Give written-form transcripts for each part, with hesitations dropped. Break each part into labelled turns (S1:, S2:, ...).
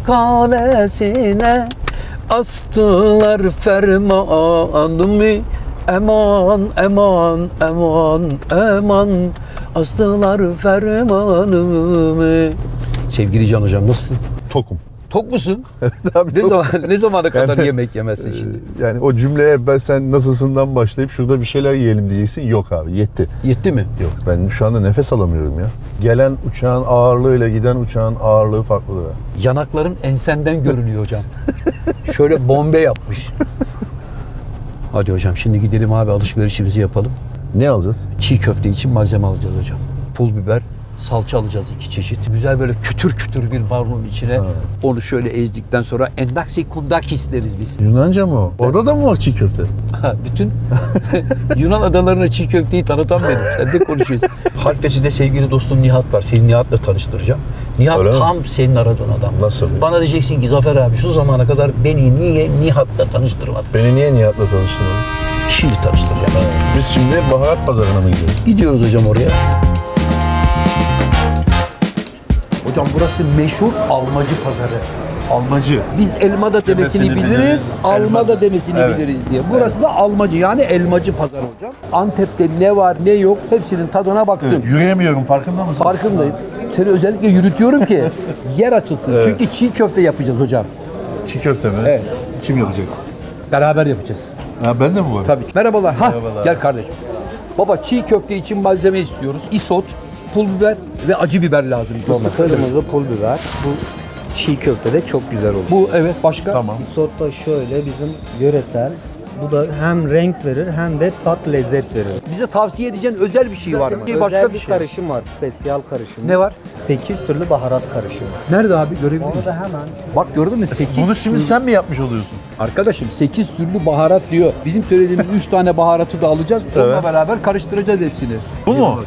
S1: kalesine astılar fermanımı. Eman, eman, eman, eman astılar fermanımı. Sevgili Can Hocam nasılsın?
S2: Tokum.
S1: Tok musun?
S2: Evet abi.
S1: Ne zamana kadar
S2: Yani-
S1: yemek yemezsin şimdi?
S2: Yani o cümleye ben sen nasılsından başlayıp şurada bir şeyler yiyelim diyeceksin. Yok abi yetti.
S1: Yetti mi?
S2: Yok ben şu anda nefes alamıyorum ya. Gelen uçağın ağırlığıyla giden uçağın ağırlığı farklı da.
S1: Yanakların ensenden görünüyor hocam. Şöyle bombe yapmış. Hadi hocam şimdi gidelim abi alışverişimizi yapalım.
S2: Ne alacağız?
S1: Çiğ köfte için malzeme alacağız hocam. Pul biber, salça alacağız 2 çeşit. Güzel böyle kütür kütür bir marulun içine onu şöyle ezdikten sonra endaksi kundakis deriz biz.
S2: Yunanca mı o? Orada da mı var çiğ köfte?
S1: Bütün Yunan adalarına çiğ köfteyi tanıtan benim. Sen de konuşuyorsun. Harfeci'de sevgili dostum Nihat var. Seni Nihat'la tanıştıracağım. Nihat
S2: Öyle
S1: tam senin aradığın adam.
S2: Nasıl?
S1: Bana diyeceksin ki Zafer abi şu zamana kadar beni niye Nihat'la tanıştırmadın?
S2: Beni niye Nihat'la tanıştırmadın?
S1: Şimdi tanıştıracağım.
S2: Biz şimdi baharat pazarına mı gidiyoruz?
S1: Gidiyoruz hocam oraya. Hocam burası meşhur almacı pazarı.
S2: Almacı.
S1: Biz elmada demesini
S2: Demesini
S1: biliriz,
S2: biliriz,
S1: alma da demesini
S2: Evet.
S1: biliriz diye. Burası da almacı yani elmacı pazarı hocam. Antep'te ne var ne yok hepsinin tadına baktım.
S2: Yürüyemiyorum farkında mısın?
S1: Farkındayım. Seni özellikle yürütüyorum ki yer açılsın.
S2: Evet.
S1: Çünkü çiğ köfte yapacağız hocam.
S2: Çiğ köfte mi?
S1: Evet.
S2: Kim yapacak?
S1: Beraber yapacağız.
S2: Ha ben de mi var?
S1: Tabii ki. Merhabalar.
S2: Merhabalar.
S1: Gel kardeşim. Baba çiğ köfte için malzeme istiyoruz. Isot, pul biber ve acı biber lazım.
S3: Kırmızı pul biber. Bu çiğ köftede çok güzel olur.
S1: Bu evet başka.
S2: Tamam.
S3: Risotto da şöyle bizim yöresel. Bu da hem renk verir hem de tat lezzet verir.
S1: Bize tavsiye edeceğin özel bir şey var mı?
S3: Özel
S1: Başka bir
S3: bir
S1: şey.
S3: karışım var. Spesiyal karışım.
S1: Ne var?
S3: 8 türlü baharat karışımı.
S1: Nerede abi görebilir miyim?
S3: Onu da hemen
S1: Bak gördün mü? 8
S2: Bunu şimdi sen mi yapmış oluyorsun?
S1: Arkadaşım 8 türlü baharat diyor. Bizim söylediğimiz 3 tane baharatı da alacağız. Onunla
S2: Evet.
S1: beraber karıştıracağız hepsini.
S2: Bu mu?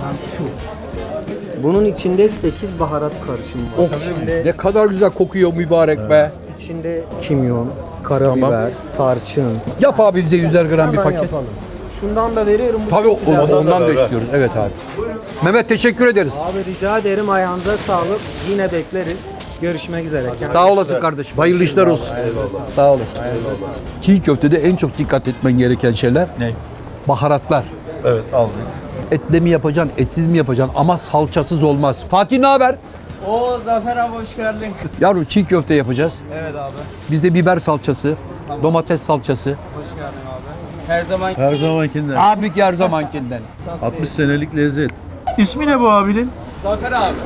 S3: bunun içinde 8 baharat karışımı var. İçinde,
S1: Ne kadar güzel kokuyor mübarek be.
S3: içinde kimyon, karabiber, tarçın.
S1: Yap abi bize 100'er gram bir
S3: Hemen
S1: paket.
S3: yapalım. Şundan da veriyorum. Bu
S1: Tabii
S3: çok güzel.
S1: ondan da
S2: ver.
S1: istiyoruz. Evet abi. Mehmet teşekkür ederiz.
S3: Abi rica ederim, ayağınıza sağlık. Yine bekleriz. Görüşmek üzere.
S1: Sağ olasın kardeşim. Hayırlı işler olsun. Sağ olasın. Çiğ köftede en çok dikkat etmen gereken şeyler
S2: Ne?
S1: baharatlar.
S2: Evet aldım.
S1: Etle mi yapacaksın, etsiz mi yapacaksın ama salçasız olmaz. Fatih ne haber?
S4: Oo Zafer abi hoş geldin.
S1: Yavrum çiğ köfte yapacağız.
S4: Evet abi.
S1: Bizde biber salçası, domates salçası.
S4: Hoş geldin abi. Her zaman
S2: Her zamankinden.
S1: Abi her zamankinden.
S2: 60 senelik lezzet. İsmi ne bu abinin?
S4: Zafer abi.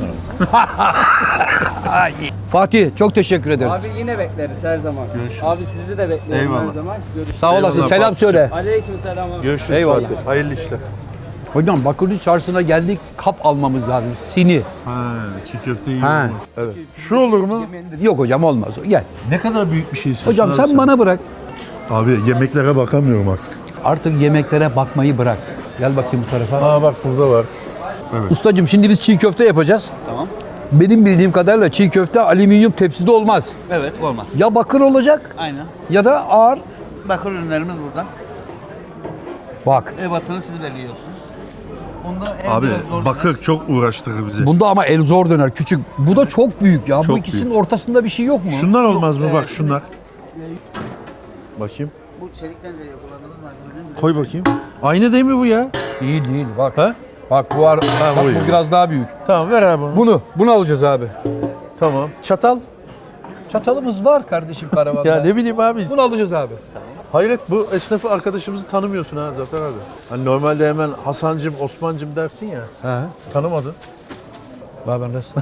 S1: Fatih çok teşekkür ederiz.
S4: Abi yine bekleriz her zaman.
S2: Görüşürüz.
S4: Abi sizi de bekliyorum
S2: Eyvallah.
S4: her zaman. Görüşürüz.
S1: Sağ olasın.
S2: Eyvallah
S1: Selam
S2: Fatih'ciğim.
S1: söyle.
S4: Aleykümselam abi.
S2: Görüşürüz
S1: Eyvallah.
S2: Fatih. Hayırlı işler.
S1: Hocam Bakırcı Çarşısı'na geldik. Kap almamız lazım. Sini.
S2: Ha, çiğ köfte
S1: Ha.
S2: yiyorum. Evet. Şu olur mu?
S1: Yok hocam olmaz. Gel.
S2: Ne kadar büyük bir şey istiyorsun
S1: Hocam
S2: abi
S1: sen bana bırak.
S2: Abi yemeklere bakamıyorum artık.
S1: Artık yemeklere bakmayı bırak. Gel bakayım bu tarafa.
S2: Aa bak burada var.
S1: Ustacığım şimdi biz çiğ köfte yapacağız.
S4: Tamam.
S1: Benim bildiğim kadarıyla çiğ köfte alüminyum tepside olmaz.
S4: Evet olmaz.
S1: Ya bakır olacak
S4: Aynen.
S1: ya da ağır.
S4: Bakır ürünlerimiz burada.
S1: Bak.
S4: Ebatını siz belirliyorsunuz. Bunda el
S2: Abi
S4: biraz zor
S2: bakır çok uğraştırır bizi.
S1: Bunda ama el zor döner küçük. Bu da çok büyük ya. Bu
S2: Çok
S1: ikisinin
S2: büyük.
S1: ortasında bir şey yok mu?
S2: Şunlar olmaz mı?
S4: Evet,
S2: Bak şunlar. Bakayım.
S4: Bu çelikten de kullandığımız malzemenin
S2: Koy bakayım. Aynı değil mi bu ya?
S1: Değil değil bak.
S2: Ha?
S1: Bak bu var. Bak,
S2: bu iyi.
S1: bu biraz daha büyük.
S2: Tamam ver abi onu.
S1: Bunu alacağız abi.
S2: Tamam. Çatal.
S1: Çatalımız var kardeşim karavanda.
S2: Ya ne bileyim abi.
S1: Bunu alacağız abi.
S2: Hayret bu esnafı arkadaşımızı tanımıyorsun ha Zafer abi. Hani normalde hemen Hasancım, Osmancım dersin ya.
S1: He.
S2: Tanımadın.
S1: Baba nasılsın?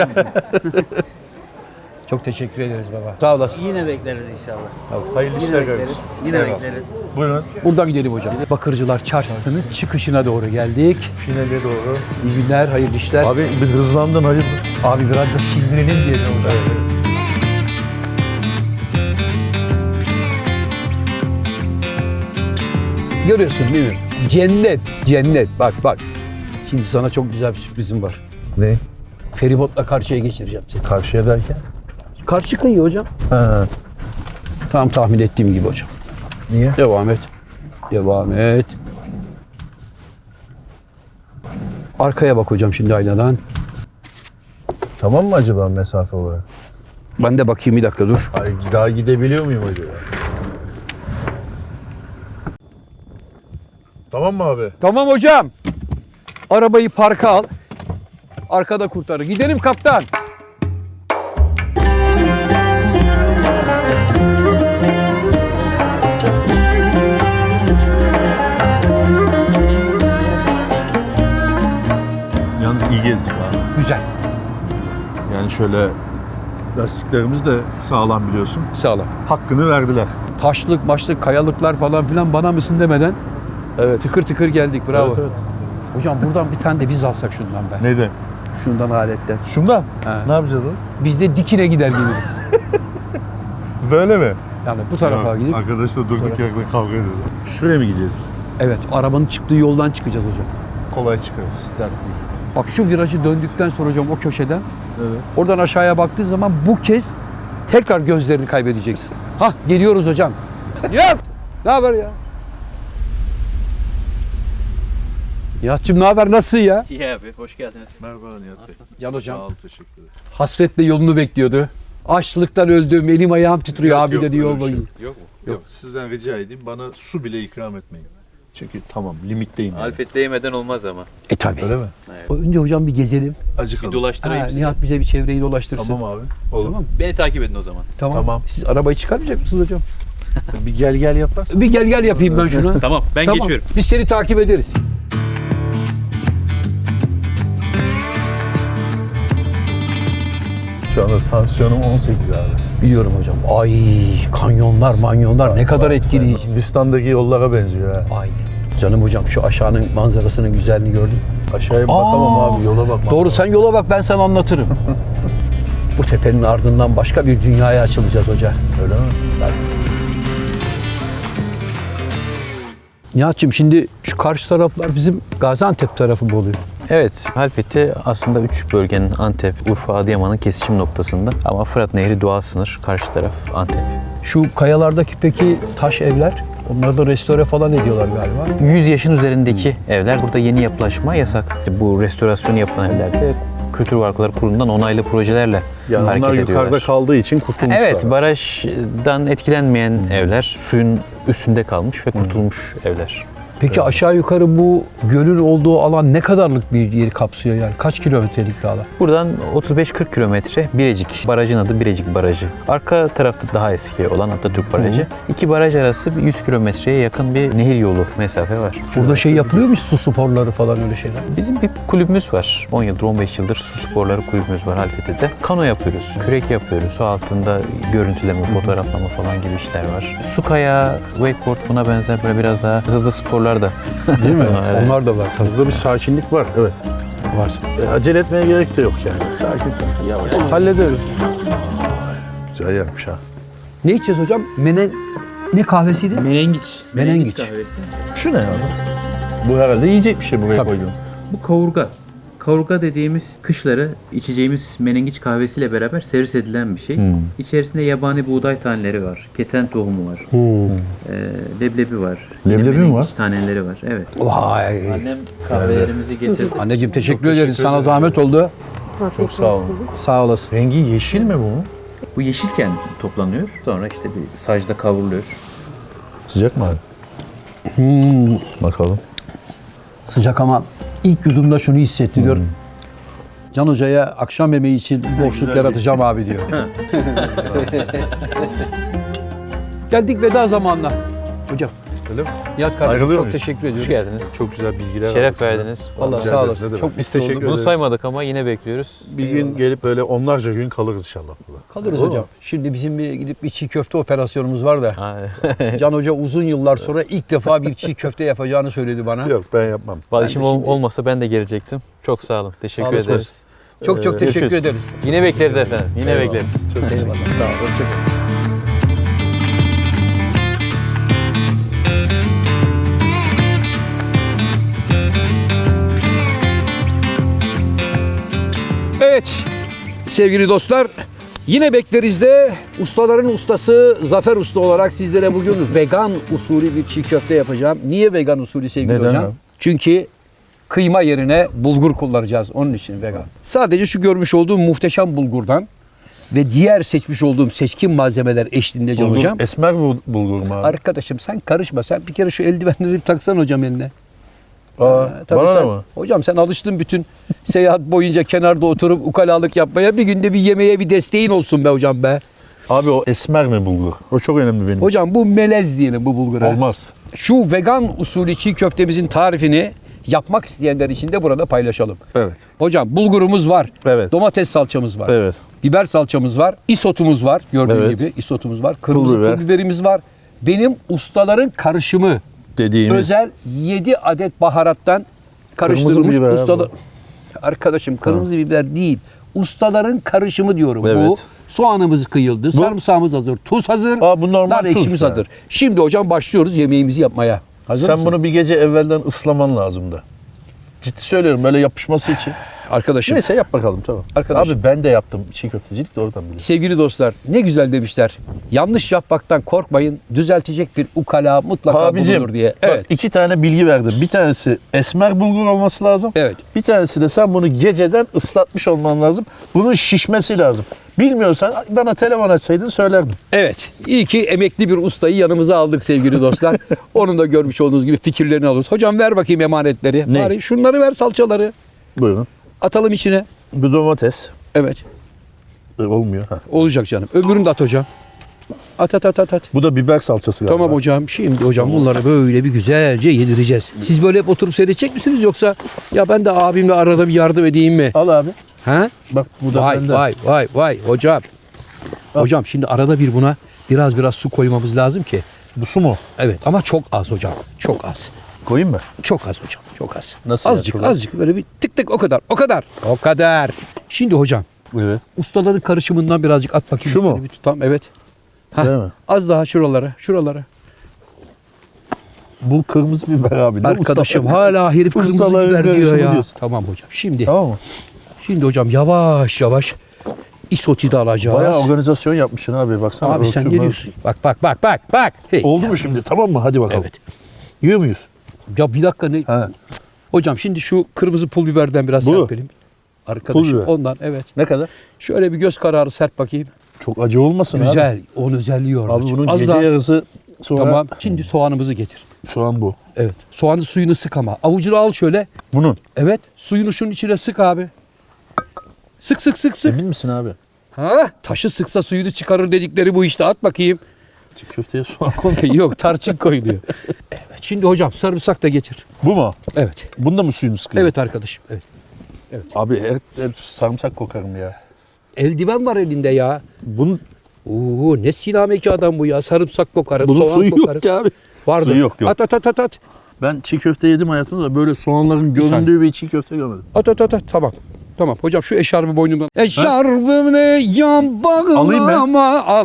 S1: Çok teşekkür ederiz baba. Sağ olasın.
S4: Yine bekleriz inşallah.
S2: Hayırlı
S4: Yine
S2: işler
S4: bekleriz.
S2: kardeşim.
S4: Yine
S2: Eyvallah.
S4: bekleriz.
S2: Buyurun.
S1: Buradan gidelim hocam. Bakırcılar Çarşısı'nın çıkışına doğru geldik.
S2: Finale doğru.
S1: İyi günler, hayırlı işler.
S2: Abi bir hızlandın hayırdır?
S1: Abi biraz da sindirelim diye de orada. Görüyorsun değil mi? Cennet, cennet. Bak bak. Şimdi sana çok güzel bir sürprizim var.
S2: Ne?
S1: Feribotla karşıya geçireceğim seni.
S2: Karşıya derken?
S1: Karşı kıyı hocam.
S2: Ha.
S1: Tam tahmin ettiğim gibi hocam.
S2: Niye?
S1: Devam et. Devam et. Arkaya bak hocam şimdi aynadan.
S2: Tamam mı acaba mesafe olarak?
S1: Ben de bakayım bir dakika dur.
S2: Ay, daha gidebiliyor muyum acaba? Tamam mı abi?
S1: Tamam hocam. Arabayı parka al. Arkada kurtarır. Gidelim kaptan.
S2: Yalnız iyi gezdik abi.
S1: Güzel.
S2: Yani şöyle lastiklerimiz de sağlam biliyorsun.
S1: Sağ olun.
S2: Hakkını verdiler.
S1: Taşlık, maçlık, kayalıklar falan filan bana mısın demeden
S2: Evet.
S1: tıkır tıkır geldik. Bravo.
S2: Evet, evet.
S1: Hocam buradan bir tane de biz alsak şundan be.
S2: Neydi?
S1: Şundan aletten.
S2: Şundan.
S1: He.
S2: Ne yapacağız oğlum?
S1: Biz de dikine gider geliriz.
S2: Böyle mi?
S1: Yani bu tarafa
S2: Ya,
S1: gidip.
S2: arkadaşlar durduk yerde kavga ediyorlar. Şuraya mı gideceğiz?
S1: Evet, arabanın çıktığı yoldan çıkacağız hocam.
S2: Kolay çıkarız. Dert değil.
S1: Bak şu virajı döndükten sonra hocam o köşeden
S2: Evet.
S1: oradan aşağıya baktığı zaman bu kez tekrar gözlerini kaybedeceksin. Hah geliyoruz hocam. Nihat! Ne haber ya? Nihat'cığım ne haber? Nasılsın ya?
S5: İyi abi, hoş geldiniz.
S2: Merhaba Nihat Bey.
S1: Can hocam.
S2: Sağ ol, teşekkür ederim.
S1: Hasretle yolunu bekliyordu. Açlıktan öldüm, elim ayağım titriyor abi
S2: Yok,
S1: dedi
S2: öyle
S1: yol
S2: bir şey
S1: boyu.
S2: Yok mu? Yok. Sizden rica edeyim bana su bile ikram etmeyin. Çünkü tamam limitteyim yani.
S5: Alfet değmeden olmaz ama.
S1: Tabii.
S2: Öyle mi?
S1: Önce hocam bir gezelim.
S5: Bir
S2: Acıkalım.
S5: dolaştırayım
S1: Ha,
S5: sizi.
S1: Nihat bize bir çevreyi dolaştırsın.
S2: Tamam abi. Olur.
S1: Tamam.
S5: Beni takip edin o zaman.
S1: Tamam. Siz arabayı çıkarmayacak mısınız hocam?
S2: Bir gel gel yaparsan.
S1: Bir gel yapayım ben şuna.
S5: Tamam, ben geçiyorum.
S1: Biz seni takip ederiz.
S2: Şu anda tansiyonum 18 abi.
S1: Biliyorum hocam. Ay kanyonlar manyonlar ne kadar etkileyici.
S2: Hindistan'daki yollara benziyor ha.
S1: Aynen. Canım hocam şu aşağının manzarasının güzelliğini gördün.
S2: Aşağıya bakamam
S1: Aa,
S2: abi, yola bakmam.
S1: Doğru sen yola bak ben sana anlatırım. Bu tepenin ardından başka bir dünyaya açılacağız hoca.
S2: Öyle mi?
S1: Nihat'cığım şimdi şu karşı taraflar bizim Gaziantep tarafı mı oluyor?
S6: Evet, Halfeti aslında 3 bölgenin Antep, Urfa, Adıyaman'ın kesişim noktasında. Ama Fırat Nehri doğal sınır, karşı taraf Antep.
S1: Şu kayalardaki peki taş evler, onları da restore falan ediyorlar galiba.
S6: 100 yaşın üzerindeki evler, burada yeni yapılaşma yasak. Bu restorasyonu yapılan evlerde Kültür Varlıkları Kurulu'ndan onaylı projelerle
S2: Yani
S6: hareket
S2: onlar
S6: ediyorlar.
S2: yukarıda kaldığı için kurtulmuşlar.
S6: Evet,
S2: aslında.
S6: barajdan etkilenmeyen evler, suyun üstünde kalmış ve kurtulmuş evler.
S1: Peki aşağı yukarı bu gölün olduğu alan ne kadarlık bir yeri kapsıyor yani? Kaç kilometrelik bir alan?
S6: Buradan 35-40 kilometre Birecik. Barajın adı Birecik Barajı. Arka tarafta daha eski olan Atatürk Barajı. İki baraj arası bir 100 kilometreye yakın bir nehir yolu mesafe var.
S1: Burada şey yapılıyor mu su sporları falan öyle şeyler?
S6: Bizim bir kulübümüz var. 10 yıldır, 15 yıldır su sporları kulübümüz var Halfeti'de. Kano yapıyoruz, kürek yapıyoruz. Su altında görüntüleme, fotoğraflama falan gibi işler var. Su kayağı, wakeboard buna benzer böyle biraz daha hızlı sporlar da.
S1: Değil mi?
S6: Evet.
S1: Onlar da var tabii.
S2: Burada bir sakinlik var. Evet.
S1: Var.
S2: Acele etmeye gerek de yok yani. Sakin sakin yavaş. Hallederiz. Güzel yapmış ha.
S1: Ne içeceğiz hocam? Ne kahvesiydi?
S5: Menengiç.
S1: Menengiç.
S5: kahvesi.
S2: Şu ne ya? Bu herhalde yiyecek bir şey buraya
S1: Tabii.
S2: koydum.
S5: Bu kavurga. Kavurga dediğimiz kışları içeceğimiz menengiç kahvesiyle beraber servis edilen bir şey. İçerisinde yabani buğday taneleri var, keten tohumu var, leblebi var. yine
S2: Leblebi mi
S5: menengiç
S2: var?
S5: taneleri var. Evet.
S1: Vay.
S5: Annem kahvelerimizi getirdi.
S1: Anneciğim teşekkür ederiz.
S2: teşekkür
S1: Sana
S2: ederim.
S1: zahmet oldu.
S2: Çok sağ olun.
S1: Sağ olasın.
S2: Rengi yeşil mi bu?
S5: Bu yeşilken toplanıyor. Sonra işte bir sacda kavruluyor.
S2: Sıcak mı abi? Bakalım.
S1: Sıcak ama ilk yudumda şunu hissettiriyor. Can Hoca'ya akşam yemeği için boşluk yaratacağım abi diyor. Geldik veda zamanına. Hocam,
S2: Öyle mi?
S1: Nihat kardeşim
S2: Ayrılıyor
S1: çok
S2: muyuz?
S1: teşekkür ediyoruz.
S6: Hoş geldiniz.
S2: Çok güzel bilgiler
S6: Şeref
S2: aldık
S6: verdiniz.
S1: Vallahi
S2: Rica
S1: sağ
S2: ederiz,
S1: olasın.
S2: ne demek.
S1: Çok
S2: Biz
S1: mutlu
S2: teşekkür
S1: oldum.
S2: ederiz.
S6: Bunu saymadık ama yine bekliyoruz.
S2: Bir gün gelip böyle onlarca gün kalırız inşallah burada.
S1: Kalırız
S2: Olur mu?
S1: hocam. Şimdi bizim bir gidip bir çiğ köfte operasyonumuz var da.
S6: Ha,
S1: Can Hoca uzun yıllar sonra ilk defa bir çiğ köfte yapacağını söyledi bana.
S2: Yok ben yapmam.
S6: Vallahi
S1: Ben de
S6: işim
S1: şimdi-
S6: olmasa ben de gelecektim. Çok sağ olun. Teşekkür
S1: Sağ olasın.
S6: ederiz.
S1: Çok çok teşekkür
S6: Görüşürüz.
S1: ederiz.
S6: Yine bekleriz efendim. Yine bekleriz.
S2: Çok
S1: Eyvallah. Sağ ol. Hoşçakalın. Evet sevgili dostlar yine bekleriz de ustaların ustası Zafer Usta olarak sizlere bugün vegan usulü bir çiğ köfte yapacağım. Niye vegan usulü sevgili
S2: Neden
S1: hocam?
S2: abi?
S1: Çünkü kıyma yerine bulgur kullanacağız onun için vegan. Sadece şu görmüş olduğum muhteşem bulgurdan ve diğer seçmiş olduğum seçkin malzemeler eşliğinde Can
S2: Bulgur,
S1: hocam.
S2: esmer bulgur mu abi?
S1: Arkadaşım sen karışma. Sen bir kere şu eldivenleri bir taksan hocam eline.
S2: Aa,
S1: Tabii
S2: bana da
S1: sen-
S2: mı?
S1: Hocam sen alıştın bütün seyahat boyunca kenarda oturup ukalalık yapmaya. Bir günde bir yemeğe bir desteğin olsun be hocam be.
S2: Abi o esmer mi bulgur? O çok önemli benim
S1: Hocam bu melez diyelim bu bulgura.
S2: için. Olmaz.
S1: Şu vegan usulü çiğ köftemizin tarifini yapmak isteyenler için de burada paylaşalım.
S2: Evet.
S1: Hocam bulgurumuz var.
S2: Evet.
S1: Domates salçamız var.
S2: Evet.
S1: Biber salçamız var. Isotumuz var. Gördüğün
S2: Evet.
S1: gibi isotumuz var. Kırmızı
S2: biber.
S1: pul biberimiz var. Benim ustaların karışımı.
S2: Dediğimiz.
S1: Özel 7 adet baharattan
S2: Kırmızı
S1: karıştırılmış
S2: biber
S1: ustalar.
S2: abi.
S1: Arkadaşım kırmızı biber değil. Ustaların karışımı diyorum. Bu
S2: Evet.
S1: soğanımız kıyıldı, sarımsağımız hazır, tuz hazır,
S2: Aa, bu normal
S1: nar
S2: tuz
S1: ekşimiz
S2: yani.
S1: hazır. Şimdi hocam başlıyoruz yemeğimizi yapmaya. Hazır
S2: Sen
S1: mısın?
S2: bunu bir gece evvelden ıslaman lazım da. Ciddi söylüyorum böyle yapışması için.
S1: Arkadaşım,
S2: Neyse yap bakalım tamam.
S1: Arkadaşım.
S2: Abi ben de yaptım çiğ köftecilik de oradan biliyorum.
S1: sevgili dostlar ne güzel demişler. Yanlış yapmaktan korkmayın. Düzeltecek bir ukala mutlaka
S2: Abicim
S1: bulunur diye.
S2: bak,
S1: Evet.
S2: 2 tane bilgi verdim. Bir tanesi esmer bulgur olması lazım.
S1: Evet.
S2: Bir tanesi de sen bunu geceden ıslatmış olman lazım. Bunun şişmesi lazım. Bilmiyorsan bana telefon açsaydın söylerdim.
S1: Evet. İyi ki emekli bir ustayı yanımıza aldık sevgili dostlar. Onun da görmüş olduğunuz gibi fikirlerini alıyoruz. Hocam ver bakayım emanetleri.
S2: Ne?
S1: Bari şunları ver salçaları.
S2: Buyurun.
S1: Atalım içine.
S2: Bu domates.
S1: Evet.
S2: Olmuyor. Ha.
S1: Olacak canım. Öbürünü de at hocam. At.
S2: Bu da biber salçası galiba.
S1: Tamam hocam. Şimdi hocam bunları böyle bir güzelce yedireceğiz. Siz böyle hep oturup seyredecek misiniz yoksa ya ben de abimle arada bir yardım edeyim mi?
S2: Al abi.
S1: Ha?
S2: Bak bu da
S1: Vay
S2: benden.
S1: vay hocam. Hocam şimdi arada bir buna biraz su koymamız lazım ki.
S2: Bu su mu?
S1: Evet ama çok az hocam. Çok az.
S2: Koyayım mı?
S1: Çok az hocam. Çok az.
S2: Nasıl
S1: azıcık
S2: yani?
S1: azıcık böyle bir tık tık o kadar. Şimdi hocam
S2: Evet.
S1: ustaların karışımından birazcık at bakayım.
S2: Şu mu?
S1: Üstüne bir tutam. Evet. Hah,
S2: Değil mi?
S1: az daha şuralara.
S2: Bu kırmızı biber abi. Ne
S1: Arkadaşım
S2: usta-
S1: hala herif kırmızı
S2: Ustaların
S1: biber diyor
S2: karışımı
S1: ya.
S2: diyorsun.
S1: Tamam hocam. Şimdi
S2: Tamam mı?
S1: hocam yavaş isoti de alacağız.
S2: Bayağı organizasyon yapmışsın abi. Baksana.
S1: Abi sen ne
S2: örtüm var.
S1: diyorsun? Bak. Hey.
S2: Oldu mu şimdi? Tamam mı? Hadi bakalım.
S1: Evet.
S2: Yiyor muyuz?
S1: Ya bir dakika ne?
S2: Ha.
S1: Hocam şimdi şu kırmızı pul biberden biraz
S2: Bu.
S1: serpelim. Arkadaşım
S2: Pul biber.
S1: ondan evet.
S2: Ne kadar?
S1: Şöyle bir göz kararı serp bakayım.
S2: Çok acı olmasın abi.
S1: Güzel. Onun özelliği orada.
S2: Abi bunun
S1: Az
S2: gece
S1: daha-
S2: yarısı sonra
S1: Tamam. Şimdi soğanımızı getir.
S2: soğan bu.
S1: Evet. Soğanın suyunu sık ama. Avucunu al şöyle.
S2: Bunun.
S1: Evet. Suyunu şunun içine sık abi. Sık.
S2: Emin misin abi?
S1: Ha? Taşı sıksa suyunu çıkarır dedikleri bu işte. At bakayım.
S2: Çiğ köfteye soğan koy.
S1: Yok tarçın koyuluyor. Evet. Şimdi hocam sarımsak da getir.
S2: Bu mu?
S1: Evet.
S2: Bunda mı suyunu sıkıyor?
S1: Evet arkadaşım. Evet.
S2: Abi hep sarımsak kokarım ya.
S1: Eldiven var elinde ya.
S2: Bunun
S1: Ne sinameki adam bu ya. Sarımsak kokarım,
S2: bunun
S1: soğan
S2: suyu
S1: kokarım.
S2: yok ki abi.
S1: Vardır.
S2: Suyu yok.
S1: At.
S2: Ben çiğ köfte yedim hayatımda da böyle soğanların göründüğü bir çiğ köfte görmedim.
S1: At. Tamam. Hocam şu eşarbı boynumdan. Eşarbımı yan
S2: Alayım ben.
S1: bağlama. Al.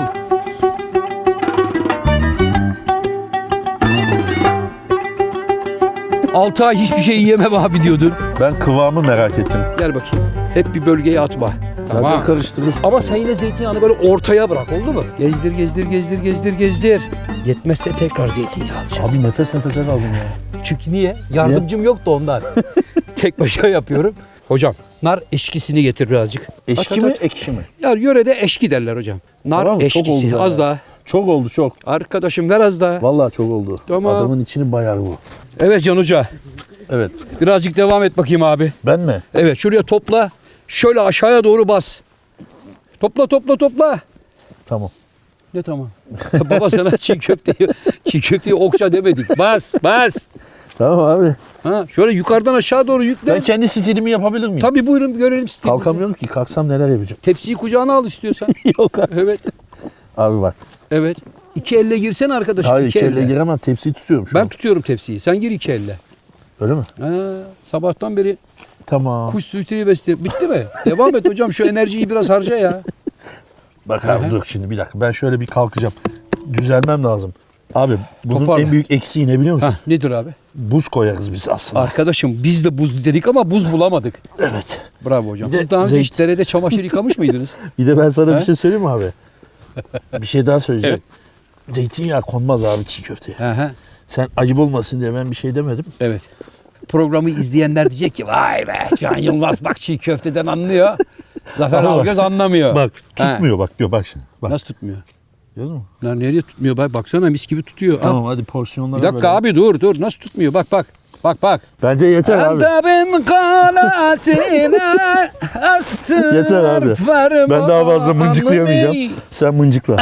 S1: Altı ay hiçbir şey yiyemem abi diyordun.
S2: Ben kıvamı merak ettim.
S1: Gel bakayım. Hep bir bölgeye atma.
S2: Zaten
S1: Tamam.
S2: karıştırıyorsun.
S1: Ama sen yine zeytinyağını böyle ortaya bırak oldu mu? Gezdir. Yetmezse tekrar zeytinyağı alacağım.
S2: Abi nefes nefese kaldım ya.
S1: Çünkü niye? Yardımcım yoktu ondan. Tek başına yapıyorum. Hocam nar eşkisini getir birazcık.
S2: Eşki
S1: At.
S2: mi ekşi mi?
S1: Ya yörede eşki derler hocam. Nar
S2: Tamam, çok
S1: eşkisi.
S2: oldu
S1: Az
S2: ya.
S1: daha.
S2: Çok oldu çok.
S1: Arkadaşım ver az daha.
S2: Vallahi çok oldu.
S1: Tamam.
S2: Adamın içini bayar bu.
S1: Evet Can Hoca.
S2: Evet.
S1: Birazcık devam et bakayım abi.
S2: Ben mi?
S1: Evet şuraya topla. Şöyle aşağıya doğru bas. Topla.
S2: Tamam.
S1: Ne tamam? Baba sana çiğ köfteyi okşa demedik. Bas.
S2: Tamam abi.
S1: Ha, şöyle yukarıdan aşağı doğru yükle.
S2: Ben kendi stilimi yapabilir miyim?
S1: Tabii buyurun görelim stilinizi.
S2: Kalkamıyorum ki. Kalksam neler yapacağım?
S1: Tepsiyi kucağına al istiyorsan.
S2: Yok abi.
S1: Evet.
S2: Abi bak.
S1: Evet. İki elle girsene arkadaşım.
S2: Hayır
S1: iki
S2: içeriye giremem. Tepsiyi tutuyorum şu
S1: Ben
S2: an.
S1: tutuyorum tepsiyi. Sen gir iki elle.
S2: Öyle mi?
S1: Ha, sabahtan beri
S2: Tamam.
S1: kuş suiteyi besliyor. Bitti mi? Devam et hocam. Şu enerjiyi biraz harca ya.
S2: Bak abi
S1: Aha.
S2: dur şimdi bir dakika. Ben şöyle bir kalkacağım. Düzelmem lazım. Abi bunun
S1: Toparla.
S2: en büyük eksiği ne biliyor musun?
S1: Ha, nedir abi?
S2: Buz koyarız biz aslında.
S1: Arkadaşım biz de buz dedik ama buz bulamadık.
S2: Evet.
S1: Bravo hocam.
S2: Bir de
S1: Siz daha önce hiç
S2: zeyt-
S1: derede çamaşır yıkamış mıydınız?
S2: Bir de ben sana
S1: He?
S2: bir şey söyleyeyim mi abi? Bir şey daha söyleyeceğim. Zeytinyağı konmaz abi çiğ köfteye.
S1: Aha,
S2: Sen ayıp olmasın diye ben bir şey demedim.
S1: evet. Programı izleyenler diyecek ki vay be Can Yılmaz bak çiğ köfteden anlıyor. Zafer Algöz anlamıyor.
S7: Bak
S1: He.
S7: tutmuyor bak diyor bak şimdi. Bak.
S1: Nasıl tutmuyor?
S7: Gördün mü?
S1: Lan nereye tutmuyor? Bak baksana mis gibi tutuyor. Al.
S7: Tamam hadi porsiyonlara
S1: Bir dakika
S7: bölelim.
S1: abi dur. Nasıl tutmuyor? Bak. Bak.
S7: Bence yeter abi.
S1: Antep'in kalasine astır.
S7: Yeter abi. Ben daha fazla mıncıklayamayacağım. Sen mıncıkla.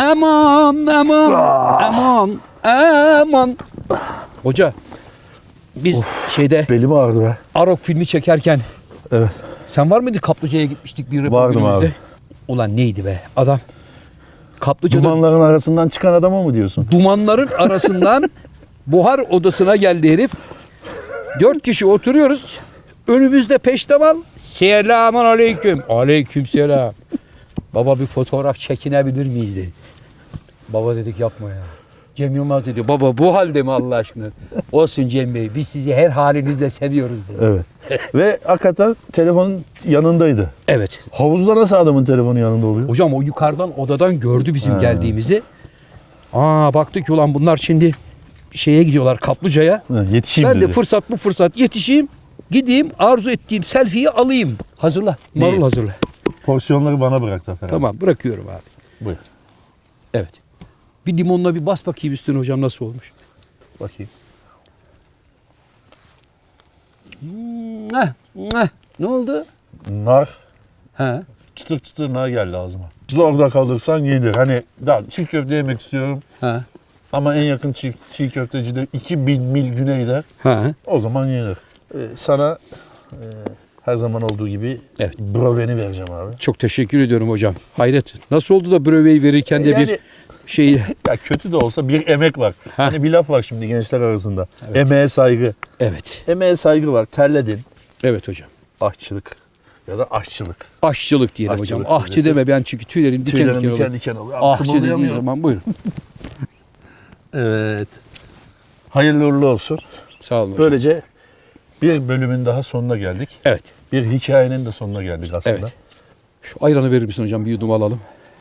S1: Aman. Hoca biz şeyde
S7: Belim ağrıdı be.
S1: Arok filmi çekerken
S7: Evet.
S1: sen var mıydın Kaplıca'ya gitmiştik bir
S7: Vardım
S1: röportajımızda.
S7: abi.
S1: Ulan neydi be adam. Kaplıca'da
S7: Dumanların arasından çıkan adama mı diyorsun?
S1: dumanların arasından buhar odasına geldi herif. 4 kişi oturuyoruz. Önümüzde peştemal. Selamun aleyküm. Aleyküm selam. Baba bir fotoğraf çekinebilir miyiz dedi. Baba dedik yapma ya. Cem Yılmaz dedi. Baba bu halde mi Allah aşkına? Olsun Cem Bey. Biz sizi her halinizle seviyoruz dedi.
S7: Evet. Ve hakikaten telefonun yanındaydı.
S1: Evet.
S7: Havuzda nasıl adamın telefonu yanında oluyor?
S1: Hocam o yukarıdan odadan gördü bizim geldiğimizi. Baktık ki ulan bunlar şimdi şeye gidiyorlar Kaplıca'ya.
S7: Ha, yetişeyim
S1: Ben de
S7: dedi.
S1: fırsat yetişeyim. Gideyim arzu ettiğim selfie'yi alayım. Hazırla. Marul
S7: İyi.
S1: hazırla.
S7: Porsiyonları bana bırak Zafer abi.
S1: Tamam bırakıyorum abi.
S7: Buyur.
S1: Evet. Bir limonla bir bas bakayım üstüne hocam nasıl olmuş.
S7: Bakayım.
S1: Ne oldu?
S7: Nar.
S1: Ha.
S7: Çıtır çıtır nar geldi ağzıma. Zorda kalırsan yenir. Hani daha çiğ köfte yemek istiyorum.
S1: Ha.
S7: Ama en yakın çiğ köfteci de 2000 mil güneyde.
S1: Ha.
S7: O zaman yenir. Sana her zaman olduğu gibi
S1: Evet.
S7: broveni vereceğim abi.
S1: Çok teşekkür ediyorum hocam. Hayret. Nasıl oldu da breveyi verirken de
S7: Yani-
S1: bir şey...
S7: Ya kötü de olsa bir emek var.
S1: Ha.
S7: Hani bir laf var şimdi gençler arasında. Emeğe saygı.
S1: Evet.
S7: Emeğe saygı var. Terledin.
S1: Evet hocam.
S7: Aşçılık ya da aşçılık.
S1: Aşçılık diyelim
S7: Aşçılık
S1: hocam. Ahçı
S7: evet.
S1: deme ben çünkü tüylerim diken
S7: Tüylerim
S1: diken
S7: diken
S1: olur.
S7: diken oluyor.
S1: Ahçı dediği
S7: Kımıldayamıyorum.
S1: zaman buyurun.
S7: Evet. Hayırlı uğurlu olsun.
S1: Sağ olun hocam.
S7: Böylece bir bölümün daha sonuna geldik.
S1: Evet.
S7: Bir hikayenin de sonuna geldik aslında.
S1: Evet. Şu ayranı verir misin hocam? Bir yudum alalım.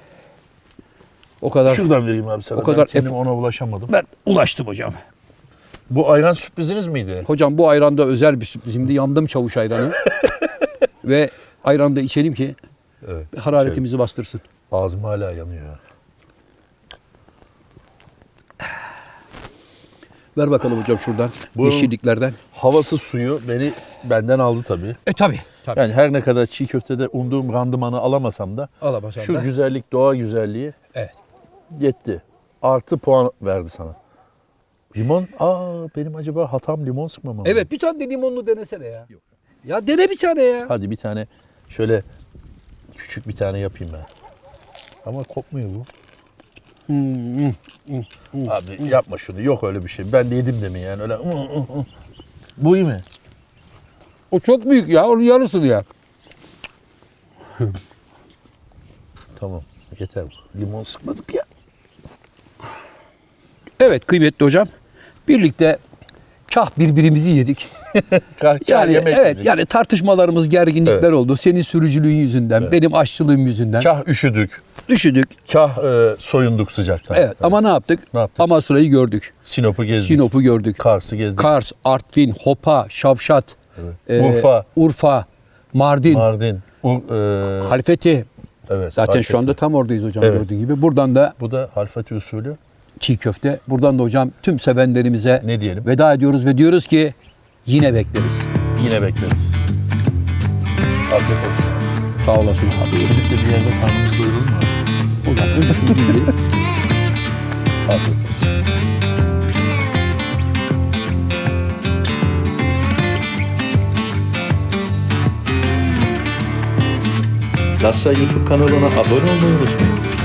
S1: O kadar.
S7: Şuradan vereyim abi sana.
S1: O kadar
S7: Ben kendim ona ulaşamadım.
S1: Ben ulaştım hocam.
S7: Bu ayran sürpriziniz miydi?
S1: Hocam bu ayranda özel bir sürprizimdi. Yandım çavuş ayranı. Ve ayranı da içelim ki
S7: Evet.
S1: hararetimizi bastırsın.
S7: Ağzım hala yanıyor ya.
S1: Ver bakalım hocam şuradan.
S7: Bu-
S1: Yeşilliklerden.
S7: Havası suyu benden aldı tabii.
S1: Tabii.
S7: Yani her ne kadar çiğ köftede umduğum randımanı alamasam da
S1: Alamasam
S7: şu
S1: da.
S7: güzellik, doğa güzelliği
S1: Evet.
S7: yetti. Artı puan verdi sana. Limon, benim acaba hatam limon sıkmamam mı?
S1: Evet bir tane de limonlu denesene ya. Ya dene bir tane ya.
S7: Hadi bir tane şöyle küçük bir tane yapayım ben. Ama kokmuyor bu. Abi yapma şunu. Yok öyle bir şey. Ben de yedim demin yani. Öyle. Bu iyi mi?
S1: O çok büyük ya. Onun yarısını ya.
S7: Tamam. Yeter. Limon sıkmadık ya.
S1: Evet kıymetli hocam. Birlikte kah birbirimizi yedik. Yani
S7: yemek
S1: evet
S7: yedik.
S1: yani tartışmalarımız, gerginlikler
S7: Evet.
S1: oldu. Senin sürücülüğün yüzünden, benim aşçılığım yüzünden.
S7: Kah üşüdük.
S1: Üşüdük.
S7: Kah soyunduk sıcaktan.
S1: Evet ama ne yaptık?
S7: Ne yaptık?
S1: Amasra'yı gördük.
S7: Sinop'u gezdik.
S1: Sinop'u gördük.
S7: Kars'ı gezdik.
S1: Kars, Artvin, Hopa, Şavşat, Urfa, Mardin,
S7: Evet.
S1: Halfeti. Zaten
S7: Halfeti.
S1: şu anda tam oradayız hocam
S7: Evet.
S1: gördüğün gibi. Buradan da
S7: Bu da Halfeti usulü.
S1: çiğ köfte. Buradan da hocam tüm sevenlerimize
S7: Ne diyelim?
S1: veda ediyoruz ve diyoruz ki yine bekleriz.
S7: Yine bekleriz. Afiyet olsun.
S1: Sağ olasın abi.
S7: Gidip de bir yerde karnımız doyurur mu?
S1: Hocam önce şunu bir yiyelim.
S7: Afiyet olsun. Lassa YouTube kanalına abone olmayı unutmayın.